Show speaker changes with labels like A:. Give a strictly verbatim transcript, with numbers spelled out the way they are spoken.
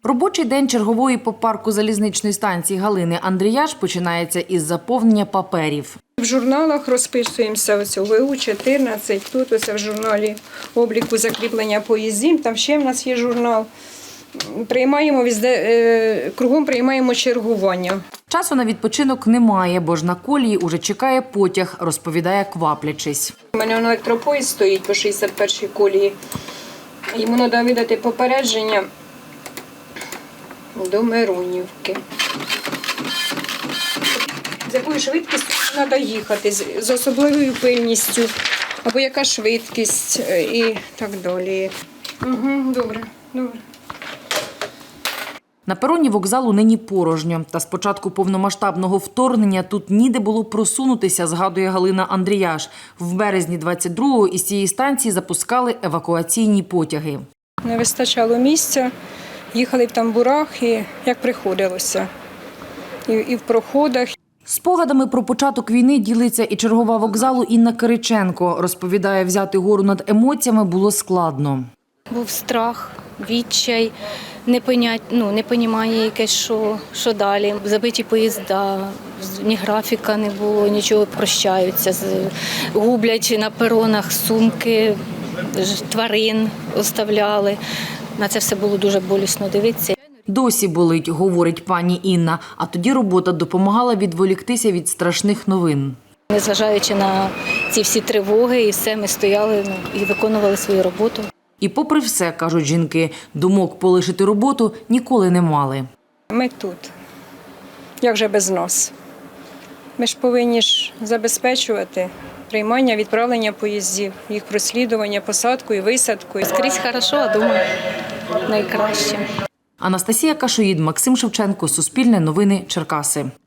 A: Робочий день чергової по парку залізничної станції Галини Андріяш починається із заповнення паперів.
B: В журналах розписуємося, ось у ВУ чотирнадцять, тут ось в журналі обліку закріплення поїздів, там ще в нас є журнал. Приймаємо, везде, кругом приймаємо чергування.
A: Часу на відпочинок немає, бо ж на колії уже чекає потяг, розповідає, кваплячись.
B: У мене електропоїзд стоїть по шістдесят першій колії. Йому треба видати попередження до Миронівки. З якою швидкістю треба їхати, з особливою пильністю, або яка швидкість і так далі. Угу, добре, добре.
A: На пероні вокзалу нині порожньо. Та з початку повномасштабного вторгнення тут ніде було просунутися, згадує Галина Андріяш. В березні двадцять другого із цієї станції запускали евакуаційні потяги.
B: Не вистачало місця, їхали в тамбурах і як приходилося. І, і в проходах.
A: Спогадами про початок війни ділиться і чергова вокзалу Інна Кириченко. Розповідає, взяти гору над емоціями було складно.
C: Був страх, відчай, непонять, ну, не понімання якесь, що, що далі. Забиті поїзда, ні графіка не було, нічого, прощаються. Гублять на перонах сумки, тварин оставляли. На це все було дуже болісно дивитися.
A: Досі болить, говорить пані Інна, а тоді робота допомагала відволіктися від страшних новин.
C: Незважаючи на ці всі тривоги, і все, ми стояли ну, і виконували свою роботу.
A: І попри все, кажуть жінки, думок полишити роботу ніколи не мали.
B: Ми тут. Як же без нас? Ми ж повинні ж забезпечувати приймання, відправлення поїздів, їх прослідування, посадку і висадку.
C: Скрізь хорошо, а дома найкраще.
A: Анастасія Кашоїд, Максим Шевченко, Суспільне новини, Черкаси.